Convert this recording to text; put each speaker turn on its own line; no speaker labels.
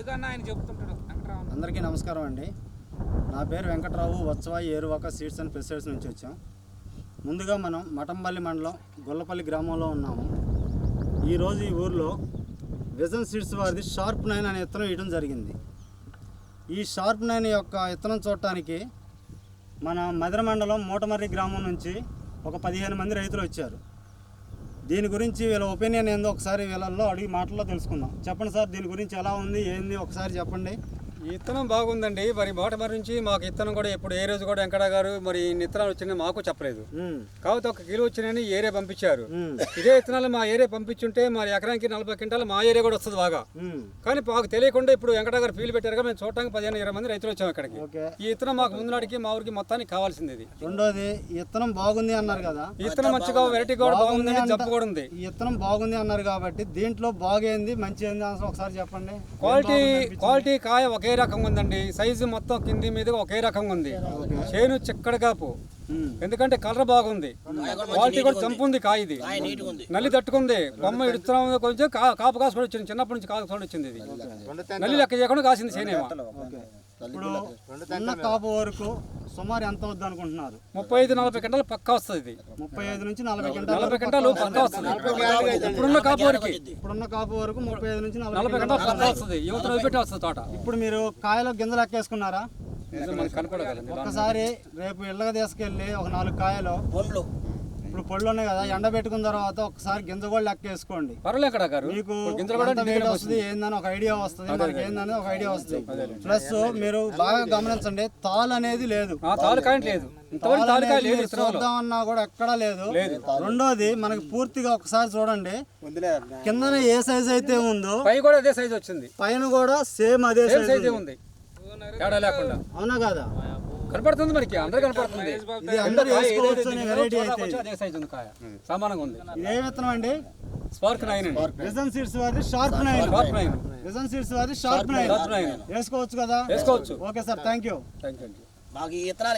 అడుగన్నా ఆయన చెప్తుంటాడు వెంకటరావు.
అందరికీ నమస్కారం అండి. నా పేరు Venkatarao. Vatsavayi Eruvaka seeds and pesticides నుంచి వచ్చాం. ముందుగా మనం మఠంపల్లి మండలం గొల్లపల్లి గ్రామంలో ఉన్నాము. ఈరోజు ఈ ఊర్లో విజన్ సీడ్స్ వారిది షార్ప్ 9 అనే విత్తనం వేయడం జరిగింది. ఈ షార్ప్ 9 యొక్క విత్తనం చూడటానికి మన మదిర మండలం మూటమర్రి గ్రామం నుంచి ఒక 15 మంది రైతులు వచ్చారు. దీని గురించి వీళ్ళ ఒపీనియన్ ఏందో ఒకసారి వీళ్ళల్లో అడిగి మాటల్లో తెలుసుకుందాం. చెప్పండి సార్, దీని గురించి ఎలా ఉంది ఏంది ఒకసారి చెప్పండి.
ఈ విత్తనం బాగుందండి. మరి మోటమరి నుంచి మాకు విత్తనం కూడా ఇప్పుడు ఏ రోజు కూడా వెంకట గారు మరి ఇన్ని విత్తనాలు వచ్చినాయి మాకు చెప్పలేదు. కాకపోతే 1 కిలో వచ్చినాయని ఏరియా పంపించారు. ఇదే విత్తనాలు మా ఏరియా పంపించుంటే మరి ఎకరానికి 40 క్వింటాలు మా ఏరియా కూడా వస్తుంది బాగా. కానీ మాకు తెలియకుండా ఇప్పుడు వెంకట గారు ఫీల్ పెట్టారు. మేము చూడటానికి 15-20 మంది రైతులు వచ్చాము ఇక్కడికి. ఈ విత్తనం మాకు ముందు నాటికి మా ఊరికి మొత్తానికి కావాల్సింది ఇది.
రెండోది, ఈ విత్తనం బాగుంది అన్నారు కదా,
ఈ విత్తనం మంచిగా వెరైటీ కూడా బాగుంది, జబ్బు కూడా ఉంది.
ఈ విత్తనం బాగుంది అన్నారు కాబట్టి దీంట్లో బాగేంది మంచి ఏంది అసలు ఒకసారి చెప్పండి.
క్వాలిటీ కాయ ఒకే రకంగా ఉందండి. సైజు మొత్తం కింది మీద ఒకే రకంగా ఉంది. చేను చిక్కడ కాపు, ఎందుకంటే కలర్ బాగుంది. క్వాలిటీ కూడా చంపు ఉంది. కాయ ఇది నల్లి తట్టుకుంది. కొమ్మ ఇడుతున్నాం కొంచెం కాపు కాసు కూడా వచ్చింది. చిన్నప్పటి నుంచి కాపు కూడా వచ్చింది. ఇది నల్లి లెక్క చేయకుండా కాసింది చేనేమో.
ఇప్పుడు ఉన్న కాపు వరకు సుమారు ఎంత వద్దు అనుకుంటున్నారు?
35-40 క్వింటాలు పక్కా వస్తుంది. ఇది
35 నుంచి 40
క్వింటాలు పక్కా వస్తుంది. ఇప్పుడున్న కాపు వరకు
35 నుంచి
40 క్వింటాలు పక్కా వస్తుంది. యువత పెట్టి వస్తుంది తోట.
ఇప్పుడు మీరు కాయలో గింజలు ఎక్కేసుకున్నారా?
కనపడగలండి.
ఒక్కసారి రేపు ఇళ్ళగా తీసుకెళ్ళి ఒక 4 కాయలు ఇప్పుడు పళ్ళు ఉన్నాయి కదా, ఎండబెట్టుకున్న తర్వాత ఒకసారి గింజ కూడా లెక్క వేసుకోండి.
పర్వాలేదు గారు,
మీకు ఎంత వెయిట్ వస్తుంది ఏందని ఒక ఐడియా వస్తుంది, మనకి ఏందని ఒక ఐడియా వస్తుంది. ప్లస్ మీరు బాగా గమనించండి, తాలు అనేది లేదు. చూద్దామన్నా కూడా ఎక్కడా లేదు. రెండోది, మనకి పూర్తిగా ఒకసారి చూడండి, కిందన ఏ సైజ్ అయితే ఉందో
పై కూడా అదే సైజ్ వచ్చింది.
పైన కూడా సేమ్ అదే సైజ్
ఉంది, తేడా లేకుండా.
అవునా కాదా?
కనపడుతుంది మనకి, అందరూ కనపడుతుంది.
ఇది అందరూ వేసుకోవచ్చు అనే వెరైటీ అయితే
అదే సైజ్ ఉంది. కాయ సమానంగా ఉంది.
ఏ విత్తనం అండి?
స్పార్క్ 9 అండి.
విజన్ సీడ్స్ వారి షార్ప్ 9. విజన్ సీడ్స్ వారి షార్ప్ 9 వేసుకోవచ్చు కదా?
వేసుకోవచ్చు.
Okay sir, thank you.
Thank you.